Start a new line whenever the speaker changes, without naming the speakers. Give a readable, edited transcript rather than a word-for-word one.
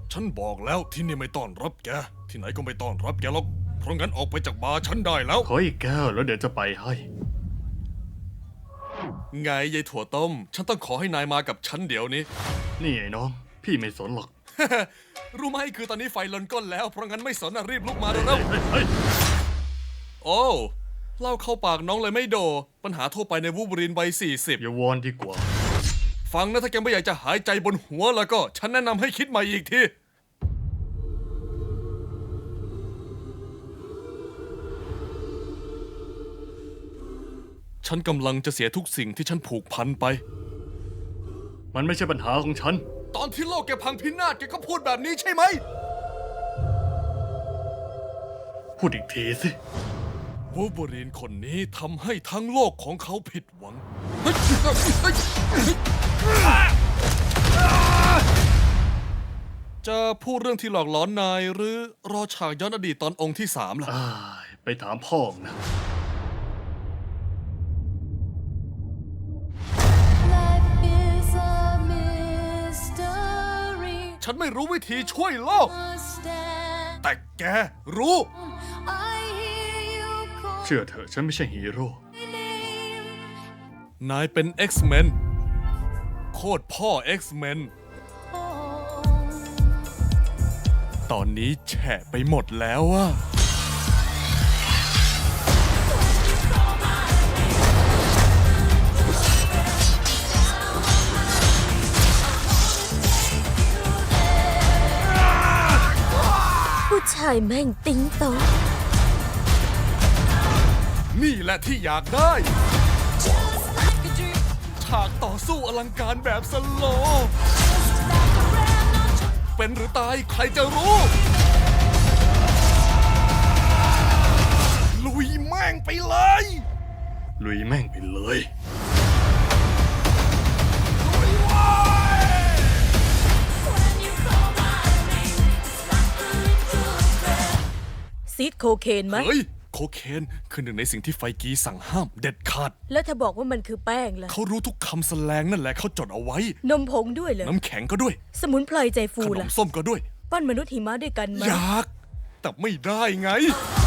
ฉันบอกแล้วที่นี่ไม่ต้อนรับแกที่ไหนก็ไม่ต้อนรับแกหรอกเพราะงั้นออกไปจากบาร์ฉันได้แล้ว
ขออีกแก้วแล้วเดี๋ยวจะไปให้
ไงยายถั่วต้มฉันต้องขอให้นายมากับฉันเดี๋ยวนี้
นี่ไอ้น้อง พี่ไม่สนหรอก
รู้ไหมคือตอนนี้ไฟลนก้นแล้วเพราะงั้นไม่สนรีบลุกมาเร็ว
เฮ้ย
ๆโอ้เล่าเข้าปากน้องเลยไม่โดปัญหาทั่วไปในวูบรีนวัย40
อย่าวอนดีกว่า
ฟังนะถ้าแกไม่อยากจะหายใจบนหัวแล้วก็ฉันแนะนำให้คิดใหม่อีกทีฉันกำลังจะเสียทุกสิ่งที่ฉันผูกพันไป
มันไม่ใช่ปัญหาของฉัน
ตอนที่โลกแกพังพินาศแกก็พูดแบบนี้ใช่ไหม
พูดอีกทีสิ
วูล์ฟเวอรีนคนนี้ทำให้ทั้งโลกของเขาผิดหวัง จะพูดเรื่องที่หลอกหลอนนายหรือรอฉากย้อนอดีตตอนองค์ที่3ล่ะ
ไปถามพ่อนะ
Life is a mystery.
ฉันไม่รู้วิธีช่วยโลก
Stand.
แต่แกรู้
I hear you call
เชื่อเถอะฉันไม่ใช่ฮีโร่
my name.
นายเป็น X-Men โคตรพ่อ X-Men ตอนนี้แฉะไปหมดแล้วอะ
ผู้ชายแม่งติ๊งโตอง
นี่แหละที่อยากได้
Just like a dream.
ฉากต่อสู้อลังการแบบสโลว์
Like a brand new
เป็นหรือตายใครจะรู้ ลุยแม่งไปเลย
ลุยแม่งไปเลย
when you call my name. It's like a little breath.
ซีดโคเคนไหม
เฮ้ย โคเคนคือหนึ่งในสิ่งที่ไฟกีสั่งห้ามเด็ดขาด
แล้วถ้าบอกว่ามันคือแป้งล่ะ
เขารู้ทุกคำแสลงนั่นแหละเขาจดเอาไว้
นมผงด้วยเหรอ
น้ำแข็งก็ด้วย
สมุนไพรใจฟู
ขนม
ล่ะ
ส้มก็ด้วย
ปั้นมนุษย์หิมะด้วยกันไหม
อยาก แต่ไม่ได้ไง
I